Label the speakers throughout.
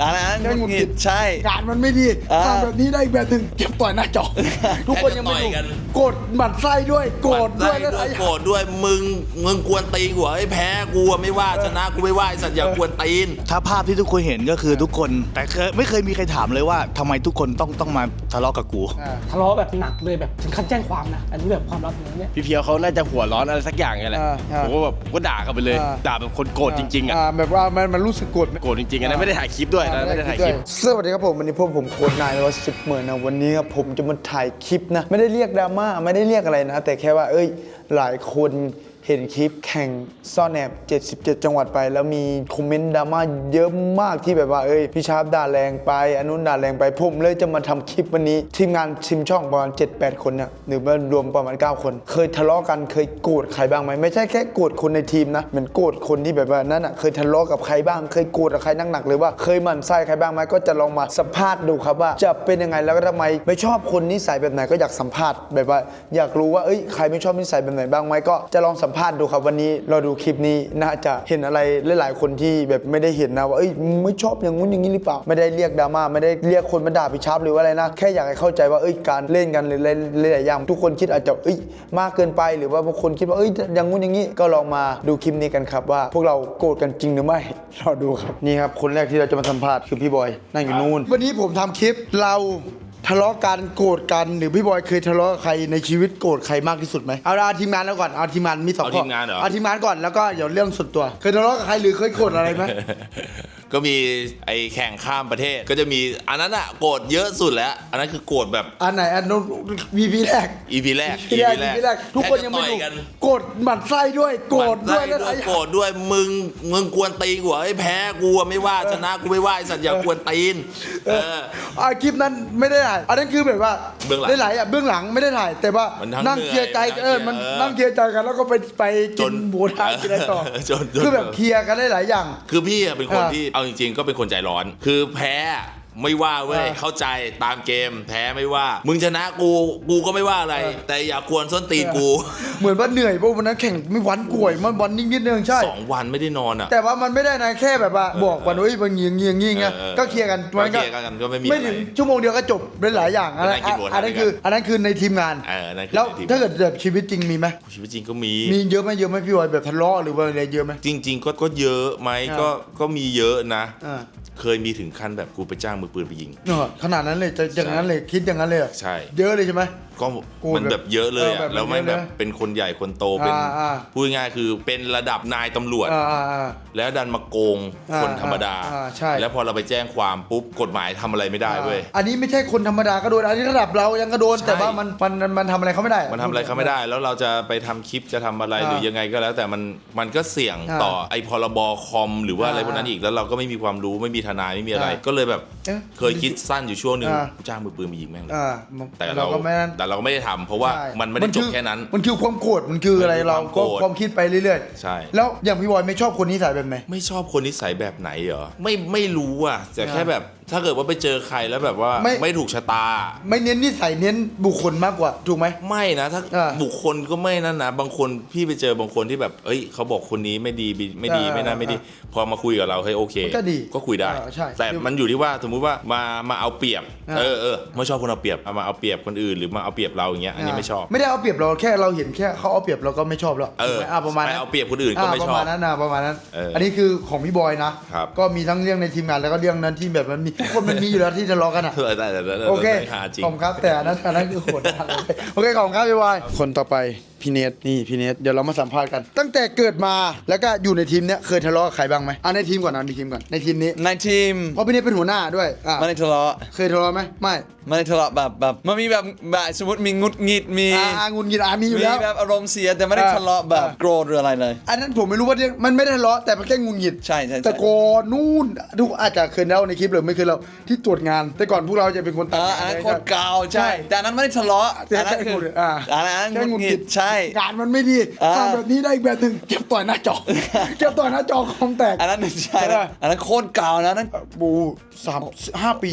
Speaker 1: แค่หงุดหงิดใช่
Speaker 2: งานมันไม่ดีทำแบบนี้ได้แบบหนึ่งเก็บต่อยหน้าจอทุกคนยังไม่ดูโกรธหมั่นไส้ด้วยโกรธด้วย
Speaker 3: โกรธด้วยมึงกวนตีนกูไอ้แพ้กูไม่ว่าชนะกูไม่ว่าไอ้สัตว์อย่ากวนตีน
Speaker 4: ถ้าภาพที่ทุกคนเห็นก็คือทุกคนแต่ไม่เคยมีใครถามเลยว่าทำไมทุกคนต้องมาทะเลาะกับกู
Speaker 5: ทะเลาะแบบหนักเลยแบบถึงขั้นแจ้งความนะอันนี้แบบความลับอย่างเงี้ย
Speaker 1: พี่เพียวเขาน่าจะหัวร้อนอะไรสักอย่างไงแหละผมก็แบบก็ด่าเขาไปเลยด่าแบบคนโกรธจริงๆอ่ะ
Speaker 2: แบบว่ามันรู้สึกโกรธ
Speaker 1: จริงๆอันนั้นไม่ได้ถ่ายคลิปด้วยนะไม่ได้ถ่ายคลิป
Speaker 2: สวัสดีครับผมวันนี้ผมโค้ชนายว่า10 หมื่นนะวันนี้ครับผมจะมาถ่ายคลิปนะไม่ได้เรียกดราม่าไม่ได้เรียกอะไรนะแต่แค่ว่าหลายคนเห็นคลิปแข่งซ่อนแอบ77 จังหวัดไปแล้วมีคอมเมนต์ดราม่าเยอะมากที่แบบว่าพี่ชาร์ปด่าแรงไปอนุนด่าแรงไปผมเลยจะมาทำคลิปวันนี้ทีมงานทีมช่องประมาณ 7-8 คนเนี่ยหรือว่ารวมประมาณ9 คนเคยทะเลาะกันเคยโกรธใครบ้างไหมไม่ใช่แค่โกรธคนในทีมนะเหมือนโกรธคนที่แบบว่านั่นอ่ะเคยทะเลาะกับใครบ้างเคยโกรธกับใครหนักๆเลยว่าเคยหมั่นไส้ใครบ้างไหมก็จะลองมาสัมภาษณ์ดูครับว่าจะเป็นยังไงแล้วก็ทำไมไม่ชอบคนนิสัยแบบไหนก็อยากสัมภาษณ์แบบว่าอยากรู้ว่าใครไม่ชอบนิสัยแบบไหนบ้างไหมก็จะลองสัมภาษณ์ดูครับวันนี้เราดูคลิปนี้น่าจะเห็นอะไรหลายๆคนที่แบบไม่ได้เห็นนะว่าไม่ชอบอย่างงู้นอย่างนี้หรือเปล่าไม่ได้เรียกดราม่าไม่ได้เรียกคนมาด่าพี่ชาร์ปหรือว่าอะไรนะแค่อยากให้เข้าใจว่าการเล่นกันหรือหลายๆอย่างทุกคนคิดอาจจะมากเกินไปหรือว่าบางคนคิดว่าอย่างงู้นอย่างนี้ก็ลองมาดูคลิปนี้กันครับว่าพวกเราโกรธกันจริงหรือไม่รอดูครับนี่ครับคนแรกที่เราจะมาสัมภาษณ์คือพี่บอยนั่งอยู่นู่นวันนี้ผมทำคลิปเราทะเลาะกันโกรธกันหรือพี่บอยเคยทะเลาะกับใครในชีวิตโกรธใครมากที่สุดไหมเอาทีมงานแล้วก่อนเอาทีมงานมี2 ข้อเอาทีมงานก่อนแล้วก็เดี๋ยวเรื่องส่วนตัวเคยทะเลาะกับใครหรือเคยโกรธอะไรไหม
Speaker 3: ก็มีไอ้แข่งข้ามประเทศก็จะมีอันนั้นอะโกรธเยอะสุดแล้วอันนั้นคือโกรธแบบ
Speaker 2: อันไหนอันนู้น EP แรก
Speaker 3: EP แรก
Speaker 2: ทุกคนยังไม่ดูโกรธหมั่นไส้ด้วยโกรธด้วย
Speaker 3: โกรธด้วยมึงกวนตีนกูไอ้แพ้กูไม่ว่าชนะกูไม่ว่าไอ้สัตว์อย่ากวนตีน
Speaker 2: คลิปนั้นไม่ได้ถ่ายอันนั้นคือแบบว่าได้หลายเบื้องหลังไม่ได้ถ่ายแต่ว่านั่งเคลียร์ใจมันนั่งเคลียร์ใจกันแล้วก็ไปกินหมูทะกินอะไรต่อคือแบบเคลียร์กันได้หลายอย่าง
Speaker 3: คือพี่เป็นคนที่เอาจริงๆก็เป็นคนใจร้อนคือแพ้ไม่ว่าเว้ยเข้าใจตามเกมแพ้ไม่ว่ามึงชนะกูก็ไม่ว่าอะไรแต่อย่ากวนส้นตีนกู
Speaker 2: เหมือนว่าเหนื่อยเพราะวันนั้นแข่งไม่วันก่วยมันวันนิดนึงใช่
Speaker 3: 2 วันไม่ได้นอนอ่ะ
Speaker 2: แต่ว่ามันไม่ได้นะแค่แบบว่าบอกวันบางงี้ไงก็เคลียร์กัน
Speaker 3: มันก็ไม่
Speaker 2: ถึงชั่วโมงเดียวก็จบเป็นหลายอย่างอันนั้นคือในทีมงานแล้วถ้าเกิดแบบชีวิตจริงมีไหม
Speaker 3: ชีวิตจริงก็มี
Speaker 2: เยอะไหมพี่บอยแบบทะเลาะหรือว่าอะไรเยอะไหม
Speaker 3: จริงๆก็เยอะไหมก็มีเยอะนะเคยมีถึงขั้นแบบกูไปจ้างมือปืนไปยิง
Speaker 2: ขนาดนั้นเลยจะอย่างนั้นเลยคิดอย่างนั้นเลย
Speaker 3: ใช่
Speaker 2: เยอะเลยใช่ไหม
Speaker 3: ก็มันแบบเยอะเลยอ่ะแล้วไม่แบบเป็นคนใหญ่คนโตเป็นพูดง่ายคือเป็นระดับนายตำรวจแล้วดันมาโกงคนธรรมดาแล้วพอเราไปแจ้งความปุ๊บกฎหมายทำอะไรไม่ได้เว้ย
Speaker 2: อันนี้ไม่ใช่คนธรรมดาก็โดนอันนี้ระดับเรายังก็โดนแต่ว่ามันทำอะไรเขาไม่ได้
Speaker 3: มันทำอะไรเขาไม่ได้แล้วเราจะไปทำคลิปจะทำอะไรหรือยังไงก็แล้วแต่มันก็เสี่ยงต่อไอ้พรบคอมหรือว่าอะไรพวกนั้นอีกแล้วเราก็ไม่มีความรู้ไม่มีทนายไม่มีอะไรก็เลยแบบเคยคิดสั้นอยู่ช่วงนึงจ้างมือปืนมายิงแม่งเลยแต่เราก็ไม่ได้ทำเพราะว่ามันไม่ได้จบแค่นั้น
Speaker 2: มันคือความโกรธมันคืออะไรเราก็ความคิดไปเรื่อย
Speaker 3: ๆใช่
Speaker 2: แล้วอย่างพี่บอยไม่ชอบคนนิสัยแบบไหน
Speaker 3: ไม่ชอบคนนิสัยแบบไหนเหรอไม่รู้อ่ะแต่แค่แบบถ้าเกิดว่าไปเจอใครแล้วแบบว่าไม่ถูกชะตา
Speaker 2: ไม่เน้นนิสัยเน้นบุคคลมากกว่าถูกไหม
Speaker 3: ไม่นะถ้าบุคคลก็ไม่นั่นนะบางคนพี่ไปเจอบางคนที่แบบเขาบอกคนนี้ไม่ดีไม่น่าไม่ดีพอมาคุยกับเราโอเคก็คุยได้แต่มันอยู่ที่ว่าสมมุติว่ามาเอาเปรียบไม่ชอบคนเอาเปรียบมาเอาเปรียบคนอื่นหรือมาเอาเปรียบเราอย่างเงี้ยอันนี้ไม่ชอบ
Speaker 2: ไม่ได้เอาเปรียบเราแค่เราเห็นแค่เขาเอาเปรียบเราก็ไม่ชอบแล้วประมาณนั้น
Speaker 3: เอาเปรียบคนอื่นก็ไม่ชอบ
Speaker 2: ประมาณนั้นอันนี้คือของพี่บอยนะก็มีทั้งเรื่องในทีมงานแล้วก็เรื่องนั้นที่แบบมันมีทุกคนมันมีอยู่แล้วที่ทะเลาะกันอ่ะโอเคขอบครับแต่อันนั้นคือโหดโอเคขอบครับพี่บอยคนต่อไปพี่เนทนี่พี่เนทเดี๋ยวเรามาสัมภาษณ์กันตั้งแต่เกิดมาแล้วก็อยู่ในทีมเนี้ยเคยทะเลาะกับใครบ้างไหมในทีมก่อนในทีมนี้
Speaker 1: ในทีม
Speaker 2: เพราะพี่เนทเป็นหัวหน้าด้วย
Speaker 1: ไม่ได้ทะเลาะ
Speaker 2: เคยทะเลาะไหม
Speaker 1: ไม่ได้ทะเลาะแบบมันมีแบบสมมติมีงุดหงิดมี
Speaker 2: งุดหงิดมีอยู่แล้ว
Speaker 1: มีแบบอารมณ์เสียแต่ไม่ได้ทะเลาะแบบโกรธหรืออะไรเลย
Speaker 2: อันนั้นผมไม่รู้ว่ามันไม่ได้ทะเลาะแต่มันแค่งุดหงิด
Speaker 1: ใช่
Speaker 2: แต่ก่อนนู่นทุกอาจจะเคยเล่าในคลิปหรือไม่เคยเล่าที่ตรวจงานแต่ก่อนพวกเราจะเป็นคนตัด
Speaker 1: อันนั้นคนเก่าใช่แต่นั้นไม่ได้ทะเลาะอันนั้นคืองุดหงิดใช่
Speaker 2: งานมันไม่ดีทำแบบนี้ได้อีกแบบหนึ่งเก็บต่อยหน้าจอ เก็บต่อยหน้าจอคอมแตก
Speaker 4: อันนั้นใช่นะอันนั้นโคตรเก่านะนั่น
Speaker 2: บู5 ปี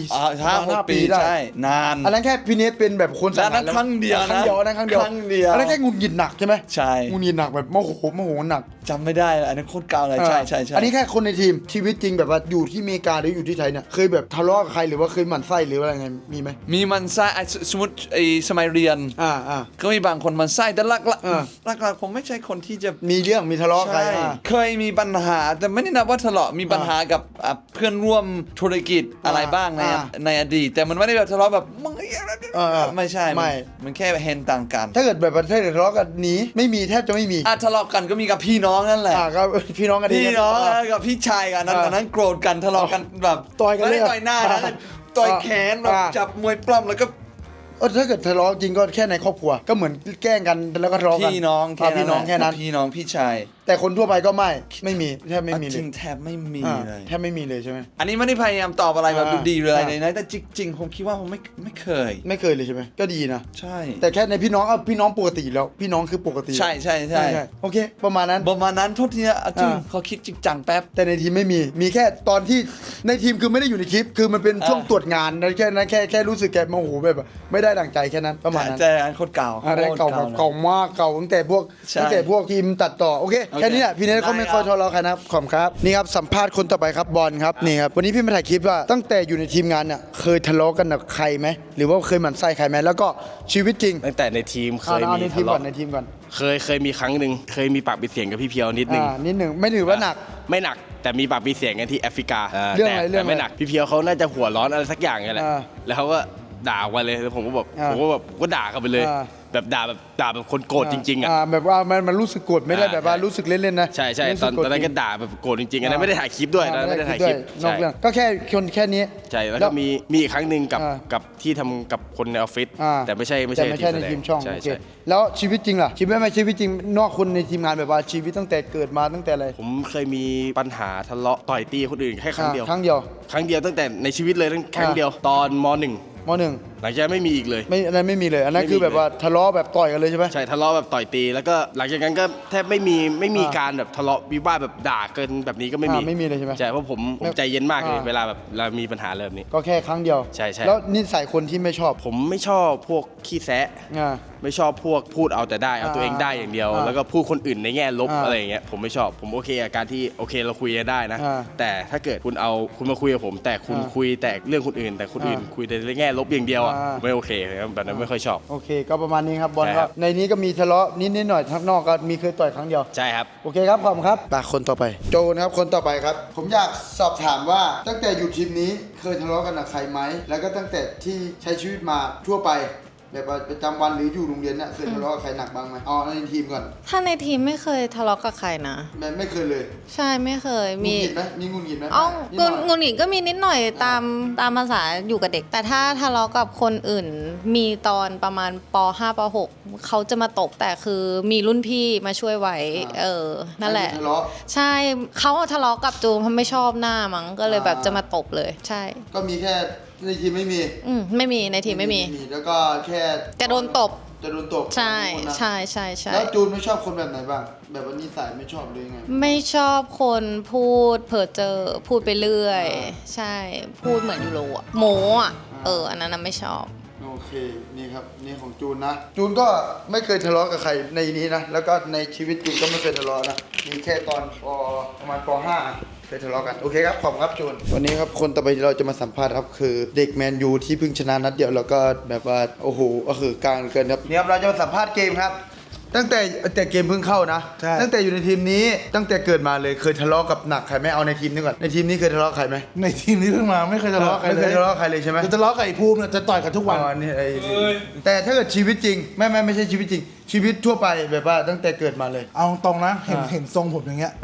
Speaker 4: 5 ปีใช่นาน
Speaker 2: อันนั้นแค่พี่เนทเป็นแบบคน
Speaker 4: อันนั้นครั้งเดียวนะ
Speaker 2: ครั้งเดียวอันนั้นครั้งเดียว
Speaker 4: ครั้งเดียว
Speaker 2: อันนั้นแค่งุนหงิดหนักใช่ไหม
Speaker 4: ใช่
Speaker 2: งุนหงิดหนักแบบโมโหหนัก
Speaker 4: จำไม่ได้อันนั้นโคตรเก่าเลยใช่ใช่ใช่
Speaker 2: อันนี้แค่คนในทีมชีวิตจริงแบบว่าอยู่ที่อเมริกาหรืออยู่ที่ไทยเนี่ยเคยแบบทะเลาะกับใครหรือว่าเคยหมั่นไส้หรืออะไรไงมีไหม
Speaker 4: มีมันไส้สมมติสมัยเรียน
Speaker 2: อ่า
Speaker 4: ก็มีบางคนมันไส้แต่หลัก
Speaker 2: เออ
Speaker 4: ๆผมไม่ใช่คนที่จะ
Speaker 2: มีเรื่องมีทะเลาะกับใคร
Speaker 4: ใช่
Speaker 2: อ่ะ
Speaker 4: เคยมีปัญหาแต่ไม่ได้นับว่าทะเลาะมีปัญหากับเพื่อนร่วมธุรกิจอะไรบ้างในอดีตแต่มันไม่ได้แบบทะเลาะแบบมึงไม่ใช่มันแค่เห็นต่างกัน
Speaker 2: ถ้าเกิดแบบประเทศทะเลาะกันหนีไม่มีแทบจะไม่มี
Speaker 4: ทะเลาะกันก็มีกับพี่น้องนั่นแหละ
Speaker 2: ก็พี่น้องกัน
Speaker 4: พี่น้องกับพี่ชายกันนั้น
Speaker 2: อ่า
Speaker 4: ตอนนั้นโกรธกันทะเลาะกันแบบ
Speaker 2: ต่อยกันเลย
Speaker 4: ไม่ได้ต่อยหน้านะต่อยแขนแบบ
Speaker 2: อ่า
Speaker 4: จับมวยปล้ำแล้วก็
Speaker 2: ถ้าเกิดทะเลาะจริงก็แค่ในครอบครัวก็เหมือนแกล้งกันแล้วก็ทะเลาะกัน
Speaker 4: พี่น้อง
Speaker 2: พี่น้องแค่นั้น
Speaker 4: พี่น้องพี่ชาย
Speaker 2: แต่คนทั่วไปก็ไม่มีแทบไม่มีเล
Speaker 4: จริ
Speaker 2: ย
Speaker 4: งแทบไม่มี
Speaker 2: อ่า
Speaker 4: เลย
Speaker 2: แทบไม่มีเลยใช่ไหม
Speaker 4: อันนี้ไม่ได้พยายามตอบอะไรแบบ
Speaker 2: อ่า
Speaker 4: ดูดีหรืออะไร
Speaker 2: อ่า
Speaker 4: เลยนะแต่จริงๆผมคิดว่าผมไม่เคย
Speaker 2: ไม่เคยเลยใช่ไหมก็ดีนะ
Speaker 4: ใช่
Speaker 2: แต่แค่ในพี่น้องพี่น้องปกติแล้วพี่น้องคือปกติ
Speaker 4: ใช่
Speaker 2: โอเค ประมาณนั้น
Speaker 4: ประมาณนั้นโทษทีนะจริง
Speaker 2: อ่า
Speaker 4: เขาคิดจริงจังแป๊บ
Speaker 2: แต่ในทีมไม่มีแค่ตอนที่ในทีมคือไม่ได้อยู่ในคลิป คือมันเป็นช่วงตรวจงานนะแค่นั้นแค่รู้สึกแกโมโหแบบไม่ได้ดั่งใจแค่นั้นประมาณนั้น
Speaker 4: แต่อันโคตรเก่า
Speaker 2: อะไรเก่าแบบ
Speaker 4: โคตร
Speaker 2: เก่ามากเก่าตั้งแต่พวก
Speaker 4: ใช่
Speaker 2: ทีมตัดต่อโอเคแค่นี้แหละพี่เนทเขาไม่
Speaker 4: ได้
Speaker 2: ค่
Speaker 4: ครั
Speaker 2: อบ ยทะเลาะกันนะครับขอบคุณครับนี่ครับสัมภาษณ์คนต่อไปครับบอลครับนี่ครับวันนี้พี่มาถ่ายคลิปว่าตั้งแต่อยู่ในทีมงานเนี่ยเคยทะเลาะกันกับใครไหมหรือว่าเคยหมั่นไส้ใครไหมแล้วก็ชีวิตจริง
Speaker 1: ตั้งแต่ในทีมเคย
Speaker 2: เอา
Speaker 1: มี
Speaker 2: ในที
Speaker 1: ทะ
Speaker 2: มก่อน
Speaker 1: เลาะ
Speaker 2: ในทีมก่อน
Speaker 1: เคยมีครั้งหนึ่งเคยมีปากมีเสียงกับพี่เพียวนิดนึง
Speaker 2: นิดหนึ่งไม่ถือว่าหนัก
Speaker 1: ไม่หนักแต่มีปากมีเสียงกันที่แอฟริกา
Speaker 2: เรื่องอะไร
Speaker 1: แต่
Speaker 2: เรื่องอะไร
Speaker 1: ไม่หนักพี่เพียวเขาน่าจะหัวร้อนอะไรสักอย่างไงแหละ
Speaker 2: อ่า
Speaker 1: แล้วเขาก็ด่ากันเลยแล้วผมก็แบบ
Speaker 2: อ่า
Speaker 1: ก็ด่าเขาไปเลย
Speaker 2: อ่า
Speaker 1: แบบด่าแบบคนโกรธจริงๆอ่ะ
Speaker 2: แบบว่ามันรู้สึกโกรธไม่ได้
Speaker 1: อ่า
Speaker 2: แบบว่ารู้สึกเล่นๆนะ
Speaker 1: ใช่
Speaker 2: รู้
Speaker 1: ต
Speaker 2: สึ
Speaker 1: อน
Speaker 2: โกรธ
Speaker 1: นั้น
Speaker 2: จ
Speaker 1: ก็
Speaker 2: ริง
Speaker 1: ด่าแบบโกรธจริงๆอันนั้นไม่ได้ถ่ายคลิปด้วยนะไม่ได้ถ่ายคลิป
Speaker 2: นอกเรื่องก็แค่แค่นี้
Speaker 1: ใช่แล้วก็มีอีกครั้งหนึ่งกับที่ทำกับคนในออฟฟิศ
Speaker 2: อ่า
Speaker 1: แต่ไม่ใช่
Speaker 2: ในทีมช่อง
Speaker 1: ใช่
Speaker 2: โอเค
Speaker 1: ใช่
Speaker 2: แล้วชีวิตจริงล่ะชีวิตไม่ชีวิตจริงนอกคนในทีมงานแบบว่าชีวิตตั้งแต่เกิดมาตั้งแต่อะไร
Speaker 1: ผมเคยมีปัญหาทะเลาะต่อยตีคนอื่นแค่ครั้งเดียว
Speaker 2: ครั้งเดียว
Speaker 1: ครั้งเดียวตั้งแต่ในชีวิตเลยครั้งเดียวตอนม.1
Speaker 2: มหนึ่ง
Speaker 1: หลังจากนั้นไม่มีอีกเลย
Speaker 2: ไม่อันนั้นไม่มีเลยอันนั้นคือแบบว่าทะเลาะแบบต่อยกันเลยใช่ไหม
Speaker 1: ใช่ทะเลาะแบบต่อยตีแล้วก็หลังจากนั้นก็แทบไม่มีการแบบทะเลาะวิวาทแบบด่าเกินแบบนี้ก็ไม่มี
Speaker 2: ไม่มีเลยใช่ไหม
Speaker 1: ใช่เพราะผมใจเย็นมากเลย
Speaker 2: อ่า
Speaker 1: เวลาแบบเรามีปัญหาเริ่มนี้
Speaker 2: ก็แค่ครั้งเดียว
Speaker 1: ใช่
Speaker 2: แล้วนิสัยคนที่ไม่ชอบ
Speaker 1: ผมไม่ชอบพวกขี้แซะ
Speaker 2: อ่า
Speaker 1: ไม่ชอบพวกพูดเอาแต่ได้เอาตัวเองได้อย่างเดียว
Speaker 2: อ่า
Speaker 1: แล้วก็พูดคนอื่นในแง่ลบ
Speaker 2: อ่า
Speaker 1: อะไรอย่างเงี้ยผมไม่ชอบผมโอเคกับการที่โอเคเราคุยกันได้นะ
Speaker 2: อ่า
Speaker 1: แต่ถ้าเกิดคุณมาคุยกับผม แต่คุณ
Speaker 2: อ่า
Speaker 1: คุยแต่เรื่องคนอื่น แต่คนอื่น
Speaker 2: อ่า
Speaker 1: คุยแต่ในแง่ลบอย่างเดียวอ่ะ
Speaker 2: อ่า
Speaker 1: ไม่โอเคครับแบบนั้นไม่ค่อยชอบ
Speaker 2: โอเค ก็ประมาณนี้ครับบอล
Speaker 1: ใช่
Speaker 2: ค
Speaker 1: ครั
Speaker 2: รับบ ในนี้ก็มีทะเลาะนิดหน่อยข้างนอกก็มีเคยต่อยครั้งเดียว
Speaker 1: ใช่ครับ
Speaker 2: โอเคครับขอบคุณครับคนต่อไปโจนะครับคนต่อไปครับ ผมอยากสอบถามว่าตั้งแต่อยู่ทีมนี้เคยทะเลาะกันกับใครไหมแล้วก็ตั้งแต่ที่ใช้ชีวิตมาทั่วไปแบบว่าประจำวันหรืออยู่โรงเรียนเนี่ยเคยทะเลาะกับใครหนักบ้างไหมเอาในทีมก่อน
Speaker 6: ถ้าในทีมไม่เคยทะเลาะกับใครนะ
Speaker 2: ไม่เคยเลย
Speaker 6: ใช่ไม่เคย
Speaker 2: มี
Speaker 6: มี
Speaker 2: หงิดไหมมีงุนหงิดไหม
Speaker 6: อ๋อ
Speaker 2: นิดหน่อย
Speaker 6: งุนหงิดก็มีนิดหน่อยตามภาษาอยู่กับเด็ก แต่ถ้าทะเลาะกับคนอื่น มีตอนประมาณป .5 ป .6 เขาจะมาตบแต่คือมีรุ่นพี่มาช่วยไว้นั่นแหละ
Speaker 2: ทะเลาะ
Speaker 6: ใช่เขาทะเลาะกับจูนเพราะไม่ชอบหน้ามั้งก็เลยแบบจะมาตบเลย ใช่
Speaker 2: ก็มีแค่ในทีมไม่มี
Speaker 6: ไม่มีในทีมไม่มี
Speaker 2: แล้วก็แค่
Speaker 6: จะโดนตบ
Speaker 2: จะโดนตบ
Speaker 6: ใช่
Speaker 2: ของคนนะ
Speaker 6: ใช่ใช่ใช่
Speaker 2: แล้วจูนไม่ชอบคนแบบไหนบ้าง แบบว่านิสัยไม่ชอบเลยไง
Speaker 6: ไม่ชอบคนพูดเพ้อเจอพูดไปเรื่อย ใช่ พูดเหมือนยูโรอะโมอะอันนั้นน่ะไม่ชอบ
Speaker 2: โอเคนี่ครับนี่ของจูนนะจูนก็ไม่เคยทะเลาะกับใครในนี้นะแล้วก็ในชีวิตจริงก็ไม่เคยทะเลาะนะมีแค่ตอนประมาณป .5 เคยทะเลาะกันโอเคครับขอบคุณครับจูนวันนี้ครับคนต่อไปที่เราจะมาสัมภาษณ์ครับคือเด็กแมนยูที่เพิ่งชนะนัดเดียวแล้วก็แบบว่าโอ้โหก็คือกลางเกินครับนี่ครับเราจะมาสัมภาษณ์เกมครับ ตั้งแต่เกมเพิ่งเข้านะ
Speaker 4: ใช่
Speaker 2: ตั้งแต่อยู่ในทีมนี้ตั้งแต่เกิดมาเลยเคยทะเลาะกับหนักใครไหมเอาในทีมนี้ก่อนในทีมนี้เคยทะเลาะกับใครไหม
Speaker 7: ในทีมนี้เพิ่งมาไม่เคยทะเลาะกับใคร
Speaker 2: ไม่
Speaker 7: เล
Speaker 2: เค
Speaker 7: ย
Speaker 2: ยทะเลาะกับใครเลยใช่ไหม
Speaker 7: จะทะเลาะกับไอ้ภูมิเนี่ยจะต่อยกันทุกวัน
Speaker 2: อ๋อนี่แต่ถ้าเกิดชีวิตจริงไม่ใช่ชีวิตจริง ชีวิตทั่วไปแบบว่าตั้งแต่เกิดมาเลย
Speaker 7: เอาตรงนะเห็นทรงผมอย่างเงี้ย
Speaker 2: อ่า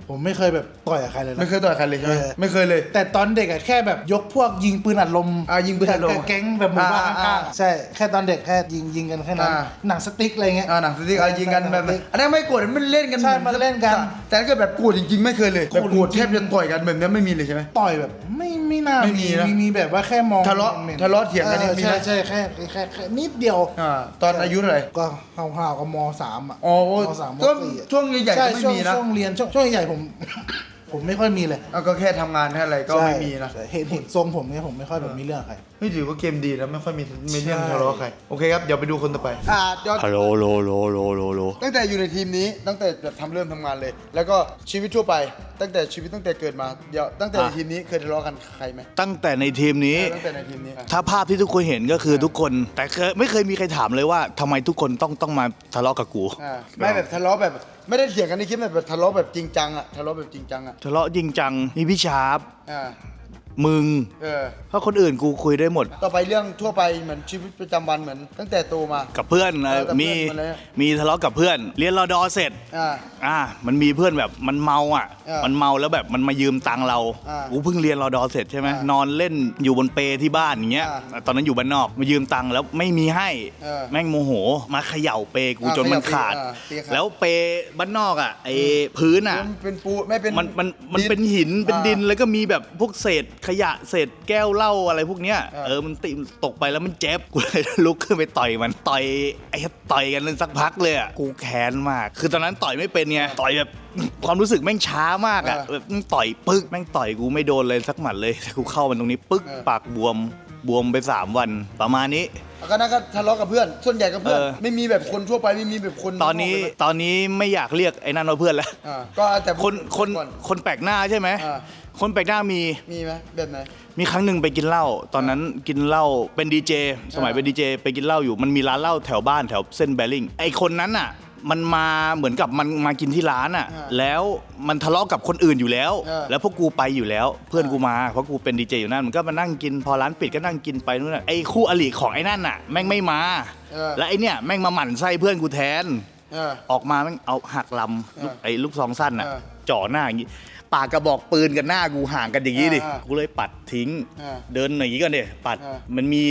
Speaker 7: ผมไม่เคยแบบต่อยกับใครเลยนะ
Speaker 2: ไม่เคยต่อยใครเลยใช่ไหมไม่เคยเลย
Speaker 7: แต่ตอนเด็กอะแค่แบบยกพวกยิงปืนอัดลม
Speaker 2: ยิงปืนอัดลม
Speaker 7: แก๊งแบบหมู่บ้านข้างๆใช่แค่ตอนเด็กแค่ยิงกันแค่นั้น หนังสติ๊กอะไรเงี้ย
Speaker 2: หนังสติ๊กยิงกันแบบนั้นอันนั้นไม่โกรธมันเล่นกัน
Speaker 7: ใช่มันเล่นกัน
Speaker 2: แต่ถ้าเกิดแบบโกรธจริงๆไม่เคยเลยแบบโกรธแทบจะต่อยกันแบบนี้ไม่มีเลยใช่ไหม
Speaker 7: ต่อยแบบไม่น่า
Speaker 2: ไม่มีนะ
Speaker 7: มีแบบว่าแค่มอง
Speaker 2: ทะเลาะ
Speaker 7: หม็น
Speaker 2: ทะเลาะเถียงกันนี่มีไหม
Speaker 7: ใช่แค่นิดเดียว
Speaker 2: ตอนอายุเท่าไหร่
Speaker 7: ก็ห่าวๆกับม.3อ่ะ
Speaker 2: อ๋อ
Speaker 7: ม.3 ม
Speaker 2: ก็
Speaker 7: .4
Speaker 2: ช่วงใหญ่ๆก็ไม่มีนะ
Speaker 7: ช่วงเรียนช่วงใหญ่ผม ผมไม่ค่อยมีเลย
Speaker 2: ก็แค่ทำงานแค่อะไรก็ไม่มีนะ
Speaker 7: ใช่เห็นทรงผมเนี่ยผมไม่ค่อยแบบมีเรื่องกับใคร
Speaker 2: ไม่ถือว่าเกมดีนะไม่ค่อยมีเรื่องทะเลาะใครโอเคครับเดี๋ยวไปดูคนต่อไปฮัลโหลโลตั้งแต่อยู่ในทีมนี้ตั้งแต่แบบเริ่มทำงานเลย แล้วก็ชีวิตทั่วไปตั้งแต่เกิดมาเดี๋ยวตั้งแต่ในทีมนี้เคยทะเลาะกันใครไหม
Speaker 1: ตั้งแต่ในทีมนี้
Speaker 2: ตั้งแต่ในทีมนี้
Speaker 1: ถ้าภาพที่ทุกคนเห็นก็คือทุกคน แต่ไม่เคยมีใครถามเลยว่าทำไมทุกคนต้องมาทะเลาะกับกู
Speaker 2: ไม่แบบทะเลาะแบบไม่ได้เถียงกันในคลิปแบบทะเลาะแบบจริงจังอะทะเลาะแบบจริงจังอะ
Speaker 1: ทะเลาะจริงจังมีพี่ชาร์ป
Speaker 2: อ่า
Speaker 1: มึง เพราะคนอื่นกูคุยได้หมด
Speaker 2: ต่อไปเรื่องทั่วไปเหมือนชีวิตประจำวันเหมือนตั้งแต่โตมา
Speaker 1: กับเพื่อน
Speaker 2: กับเพื่อน
Speaker 1: มี
Speaker 2: มาเลย
Speaker 1: มีทะเลาะกับเพื่อน เรียนรอดอเสร็จ มันมีเพื่อนแบบมันเมามันเมาแล้วแบบมันมายืมตังค์เรา กูเพิ่งเรียนรอดอเสร็จใช่ไหมนอนเล่นอยู่บนเปที่บ้านอย่างเงี้ย ตอนนั้นอยู่บ้านนอกมายืมตังค์แล้วไม่มีให้ แม่งโมโหมาเขย่าเปกูจนมันขาด แล้วเปบ้านนอกไอ้พื้น
Speaker 2: มันเป็นปูไม่เป็น
Speaker 1: มันเป็นหินเป็นดินแล้วก็มีแบบพวกเศษขยะเศษแก้วเหล้าอะไรพวกเนี้ยมันตกไปแล้วมันเจ็บกูเลยลุกขึ้นไปต่อยมันต่อยกันสักพักเลยอ่ะกูแค้นมากคือตอนนั้นต่อยไม่เป็นไงต่อยแบบความรู้สึกแม่งช้ามากอ่ะแบบต่อยปึ๊กแม่งต่อยกูไม่โดนเลยสักหมัดเลยแต่กูเข้ามันตรงนี้ปึ๊กปากบวมไป3 วันประมาณนี้
Speaker 2: ก็นั่นก็ทะเลาะกับเพื่อนส่วนใหญ่กับเพื่อนไม่มีแบบคนทั่วไปไม่มีแบบคน
Speaker 1: ตอนนี้ไม่อยากเรียกไอ้นั่นว่าเพื่อนแล้ว
Speaker 2: ก็แต่
Speaker 1: คนแปลกหน้าใช่ไหมคนแปลกหน้ามี
Speaker 2: ไหมแบบไหน
Speaker 1: มีครั้งหนึ่งไปกินเหล้าตอนนั้นกินเหล้าเป็นดีเจสมัยเป็นดีเจไปกินเหล้าอยู่มันมีร้านเหล้าแถวบ้านแถวเส้นแบริ่งไอคนนั้นอ่ะมันมาเหมือนกับมันมากินที่ร้านอ่ะแล้วมันทะเลาะกับคนอื่นอยู่แล้วแล้วพวกกูไปอยู่แล้วเพื่อนกูมาเพราะกูเป็นดีเจอยู่นั่นมันก็มานั่งกินพอร้านปิดก็นั่งกินไปนู่นน่ะไอคู่อริของไอ้นั่นน่ะแม่งไม่มาแล้วไอเนี่ยแม่งมาหมั่นไส้เพื่อนกูแทนออกมาแม่งเอาหักลำไอลูกซองสั้นอ่ะจ่อหน้าอย่างงี้ปากกระบอกปืนกับหน้ากูห่างกันอย่างนี้ดิกูเลยปัดทิ้งเดินหนีกันดิปัดมันมี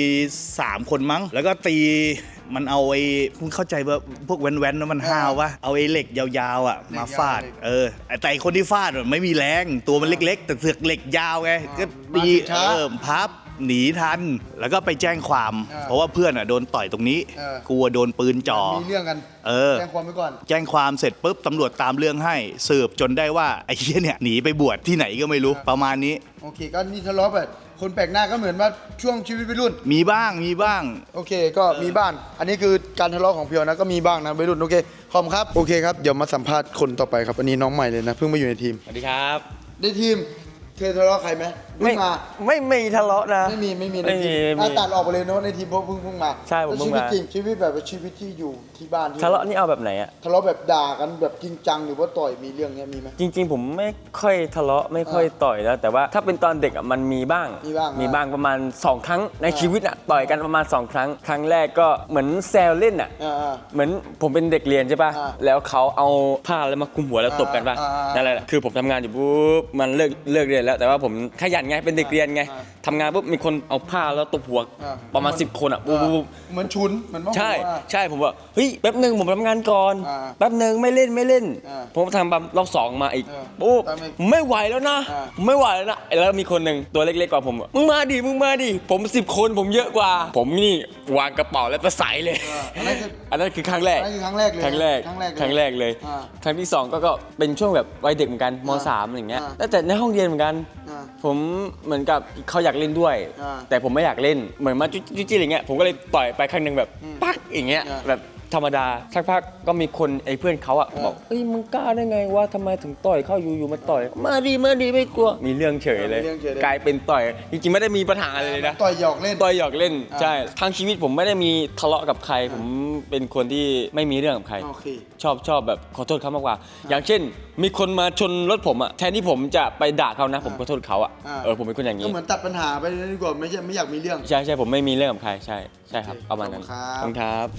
Speaker 1: 3 คนมั้งแล้วก็ตีมันเอาไอ้คุณเข้าใจว่าพวกแว้นๆแล้วมันห้าววะเอาไอ้เหล็กยาวๆอ่ะมาฟาดแต่ไอ้คนที่ฟาดไม่มีแรงตัวมันเล็กๆแต่เสือกเหล็กยาวไงก็ตีพับหนีทันแล้วก็ไปแจ้งความเพราะว่าเพื่อนโดนต่อยตรงนี้กลัวโดนปืนจ่อ
Speaker 2: มีเรื่องกันแจ้งความไว้ก่อน
Speaker 1: แจ้งความเสร็จปุ๊บตำรวจตามเรื่องให้สืบจนได้ว่าไอ้เหี้ยเนี่ยหนีไปบวชที่ไหนก็ไม่รู้ประมาณนี้
Speaker 2: โอเคก็นี่ทะเลาะแบบคนแปลกหน้าก็เหมือนว่าช่วงชีวิตวัยรุ่น
Speaker 1: มีบ้าง
Speaker 2: โอเคก็มีบ้างอันนี้คือการทะเลาะของเพียวนะก็มีบ้างนะวัยรุ่นโอเคขอบคุณครับโอเคครับเดี๋ยวมาสัมภาษณ์คนต่อไปครับอันนี้น้องใหม่เลยนะเพิ่งมาอยู่ในทีม
Speaker 8: สวัสดีครับ
Speaker 2: ในทีมเคยทะเลาะใครไหม
Speaker 8: ไม่มีทะเลาะนะ
Speaker 2: ไม่มีในทีมตัดออกไปเลยนะในทีมเพราะเพิ่งมา
Speaker 8: ใช่ผมเพิ่งมา
Speaker 2: ชีวิตแบบชีวิตที่อยู่ที่บ้าน
Speaker 8: ทะเลาะนี่เอาแบบไหนอะ
Speaker 2: ทะเลาะแบบด่ากันแบบจริงจังหรือว่าต่อยมีเรื่องเนี้ยมีไหม
Speaker 8: จริงๆผมไม่ค่อยทะเลาะไม่ค่อยต่อยแล้วแต่ว่าถ้าเป็นตอนเด็กอะมันมีบ้างประมาณ2 ครั้งในชีวิตอะต่อยกันประมาณ2 ครั้งครั้งแรกก็เหมือนแซวเล่นอะเหมือนผมเป็นเด็กเรียนใช่ป่ะแล้วเขาเอาผ้าแล้วมาคลุมหัวแล้วตบกันป่ะนั่นแหละคือผมทำงานอยู่ปุ๊บมันเลิกเรียนแล้วแต่ว่าผมขยันไงเป็นเด็กเรียนไงทำงานปุ๊บมีคนเอาผ้าแล้วตบหัวประมาณ10 คนอ่ะปุ๊บ
Speaker 2: เหมือนชุนเหมือน
Speaker 8: ใช่ผมว่าเฮ้ยแป๊บนึงผมทำงานก่อนแป๊บนึงไม่เล่นผมทำปั๊บรอบ2มาอีกปุ๊บไม่ไหวแล้วนะแล้วมีคนหนึ่งตัวเล็กๆกว่าผมมึงมาดิผม10 คนผมเยอะกว่าผมนี่วางกระเป๋าแล้วไปใส่เลยอันนั้นคือครั้งแรกเลยครั้งแรกเลยครั้งที่2ก็เป็นช่วงแบบวัยเด็กเหมือนกันม.3 อย่างเงี้ยแต่ในห้องเรียนเหมือนกันผมเหมือนกับเขาอยากเล่นด้วยแต่ผมไม่อยากเล่นเหมือนมาจุ๊จี้อะไรเงี้ยผมก็เลยต่อยไปครั้งนึงแบบปักอย่างเงี้ยแบบธรรมดาสักพักก็มีคนไอ้เพื่อนเขาบอกเอ้ยมึงกล้าได้ไงวะทำไมถึงต่อยเข้าอยู่มาต่อยมาดีไม่กลัวมีเรื่องเฉยเลยกลายเป็นต่อยจริงๆไม่ได้มีปัญหาอะไรเลยนะ
Speaker 2: ต่อยหยอกเล่น
Speaker 8: ใช่ทั้งชีวิตผมไม่ได้มีทะเลาะกับใครผมเป็นคนที่ไม่มีเรื่องกับใครชอบแบบขอโทษเขามากกว่าอย่างเช่นมีคนมาชนรถผมแทนที่ผมจะไปด่าเขานะผมขอโทษเขาผมเป็นคนอย่างนี้
Speaker 2: ก็เหมือนตัดปัญหาไปดีกว่าไม่อยากมีเรื่อง
Speaker 8: ใช่ผมไม่มีเรื่องกับใครใช่ครับประมาณนั้น
Speaker 2: ครับ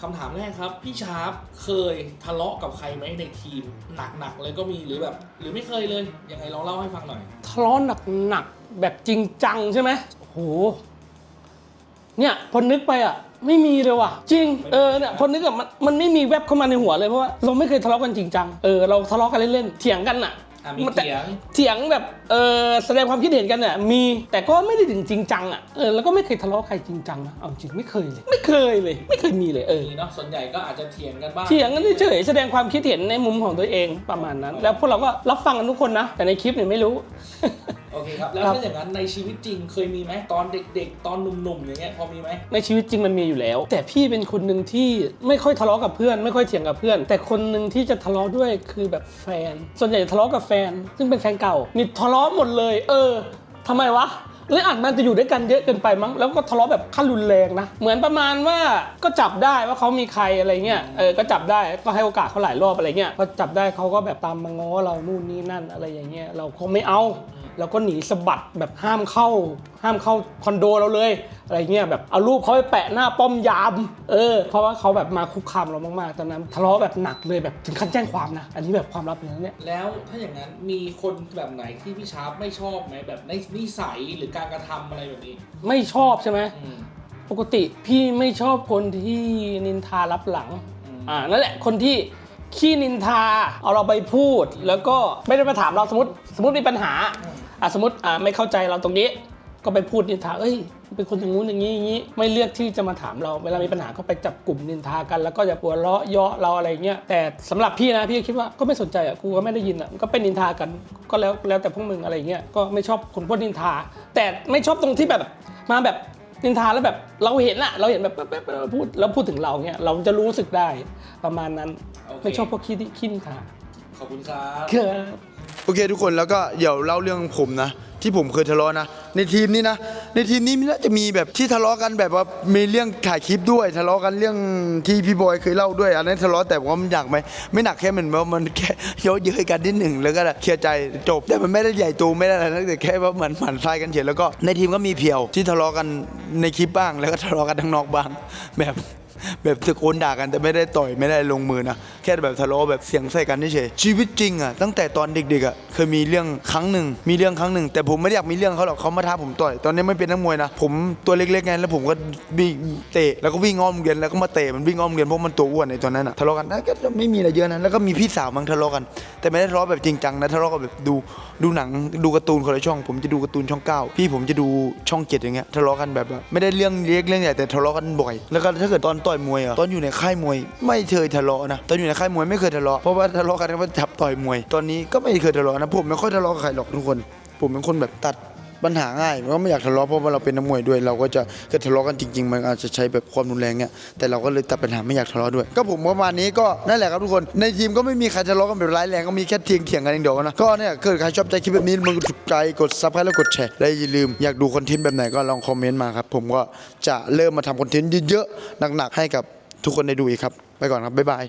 Speaker 5: คำถามแรกครับพี่ชาร์ปเคยทะเลาะกับใครไหมในทีมหนักๆเลยก็มีหรือแบบหรือไม่เคยเลยยังไงลองเล่าให้ฟังหน่อย
Speaker 9: ทะเลาะหนักๆแบบจริงจังใช่ไหมโอ้โหเนี่ยพอนึกไปอ่ะไม่มีเลยว่ะจริงเนี่ยพอนึกอ่ะมันไม่มีแวบเข้ามาในหัวเลยเพราะว่าเราไม่เคยทะเลาะกันจริงจังเราทะเลาะกันเล่นๆเถียงกันอ่ะ
Speaker 5: มีเ
Speaker 9: ถียงแบบแสดงความคิดเห็นกันเนี่ยมีแต่ก็ไม่ได้ถึงจริงจังอ่ะแล้วก็ไม่เคยทะเลาะใครจริงจังนะเอาจริงไม่เคยเลยไม่เคยมีเลย
Speaker 5: มีเนาะส่วนใหญ่ก็อาจจะเถียงกันบ้าง
Speaker 9: เถียงกันเฉยๆแสดงความคิดเห็นในมุมของตัวเองประมาณนั้น แล้วพวกเราก็รับฟังกันทุกคนนะแต่ในคลิปเนี่ยไม่รู้
Speaker 5: โอเคครับแล้วถ้าอย่างนั้นในชีวิตจริงเคยมีไหมตอนเด็กๆตอนหนุ่มๆอย่างเงี้ยพอมีไหม
Speaker 9: ในชีวิตจริงมันมีอยู่แล้ว แต่พี่เป็นคนหนึ่งที่ไม่ค่อยทะเลาะกับเพื่อนไม่ค่อยเถียงกับเพื่อน แต่คนหนึ่งที่จะทะเลาะด้วยคือแบบแฟน ส่วนใหญ่ทะเลาะกับแฟน ซึ่งเป็นแฟนเก่านี่ทะเลาะหมดเลยทำไมวะหรืออาจมันจะอยู่ด้วยกันเยอะเกินไปมั้งแล้วก็ทะเลาะแบบขั้นรุนแรงนะเหมือนประมาณว่าก็จับได้ว่าเขามีใครอะไรเงี้ยก็จับได้ก็ให้โอกาสเขาหลายรอบอะไรเงี้ยพอจับได้เขาก็แบบตามมาง้อเรานู่นนี่นั่นอะไรอย่างเงี้ยเราคงไม่เอาเราก็หนีสะบัดแบบห้ามเข้าคอนโดเราเลยอะไรเงี้ยแบบเอารูปเขาไปแปะหน้าป้อมยามเพราะว่าเขาแบบมาคุกคามเรามากๆตอนนั้นทะเลาะแบบหนักเลยแบบถึงขั้นแจ้งความนะอันนี้แบบความลับเลยนะเนี่ย
Speaker 5: แล้วถ้าอย่างนั้นมีคนแบบไหนที่พี่ชาร์ปไม่ชอบไหมแบบในนิสัยหรือการกระทำอะไรแบบนี้
Speaker 9: ไม่ชอบใช่ไหมปกติพี่ไม่ชอบคนที่นินทารับหลังนั่นแหละคนที่ขี้นินทาเอาเราไปพูดแล้วก็ไม่ได้มาถามเราสมมติมีปัญหาสมมติไม่เข้าใจเราตรงนี้ก็ไปพูดนินทาเป็นคนอย่างงู้นอย่างนี้ไม่เลือกที่จะมาถามเราเวลามีปัญหาก็ไปจับกลุ่มนินทากันแล้วก็จะหัวเราะเยาะเราอะไรเงี้ยแต่สำหรับพี่นะพี่คิดว่าก็ไม่สนใจกูก็ไม่ได้ยินก็เป็นนินทากันก็แล้วแต่พวกมึงอะไรเงี้ยก็ไม่ชอบคนพูดนินทาแต่ไม่ชอบตรงที่แบบมาแบบนินทาแล้วแบบเราเห็นแบบพูดถึงเราเงี้ยเราจะรู้สึกได้ประมาณนั้นไม่ชอบพวกขี้นินทา
Speaker 5: ขอบคุณครับ
Speaker 2: โอเคทุกคนแล้วก็เดี๋ยวเล่าเรื่องผมนะที่ผมเคยทะเลาะนะในทีมนี้น่าจะมีแบบที่ทะเลาะกันแบบว่ามีเรื่องถ่ายคลิปด้วยทะเลาะกันเรื่องที่พี่บอยเคยเล่าด้วยอันนั้นทะเลาะแต่ว่ามันหนักไหมไม่หนักแค่มันแค่เยอะกันนิดหนึ่งแล้วก็เคลียร์ใจจบแต่มันไม่ได้ใหญ่โตไม่ได้อะไรนะแต่แค่ว่าเหมือนหมั่นไส้กันเฉยแล้วก็ในทีมก็มีเพียวที่ทะเลาะกันในคลิปบ้างแล้วก็ทะเลาะกันข้างนอกบ้างแบบตะโกนด่ากันแต่ไม่ได้ต่อยไม่ได้ลงมือนะแค่แบบทะเลาะแบบเสียงใส่กันเฉยชีวิตจริงอ่ะตั้งแต่ตอนเด็กๆอ่ะเคยมีเรื่องครั้งหนึ่งแต่ผมไม่ได้อยากมีเรื่องเขาหรอกเขามาท้าผมต่อยตอนนี้ไม่เป็นนักมวยนะผมตัวเล็กๆไงแล้วผมก็วิ่งเตะแล้วก็วิ่งอ้อมเรียนแล้วก็มาเตะมันวิ่งอ้อมเรียนเพราะมันตัวอ้วนในตอนนั้นอ่ะทะเลาะกันก็ไม่มีอะไรเยอะนะแล้วก็มีพี่สาวมั้งทะเลาะกันแต่ไม่ได้ทะเลาะแบบจริงจังนะทะเลาะกันแบบดูหนังดูการ์ตูนคนละช่องผมจะดูการ์ตูนช่อง9พี่ผมจะดูช่อง7อย่างเงี้ยทะเลาะกันแบบไม่ได้เรื่องเล็กเรื่องใหญ่แต่ทะเลาะกันบ่อยแล้วก็ถ้าเกิดตอนต่อยมวยอ่ะตอนอยู่ในค่ายมวยไม่เคยทะเลาะนะตอนอยู่ในค่ายมวยไม่เคยทะเลาะเพราะว่าทะเลาะกันว่าจับต่อยมวยตอนนี้ก็ไม่เคยทะเลาะนะผมไม่ค่อยทะเลาะกับใครหรอกทุกคนผมเป็นคนแบบตัดปัญหาง่ายเพราะไม่อยากทะเลาะเพราะว่าเราเป็นนักมวยด้วยเราก็จะเกิดทะเลาะกันจริงๆมันอาจจะใช้แบบความรุนแรงเนี่ยแต่เราก็เลยตัดปัญหาไม่อยากทะเลาะด้วยก็ผมประมาณนี้ก็นั่นแหละครับทุกคนในทีมก็ไม่มีใครทะเลาะกันแบบร้ายแรงก็มีแค่เถียงกันอย่างเดียวนะก็เนี่ยเกิดใครชอบใจคลิปแบบนี้มึงถูกใจกดซับสไครต์แล้วกดแชร์และอย่าลืมอยากดูคอนเทนต์แบบไหนก็ลองคอมเมนต์มาครับผมก็จะเริ่มมาทำคอนเทนต์เยอะๆหนักๆให้กับทุกคนได้ดูอีกครับไปก่อนครับบ๊ายบาย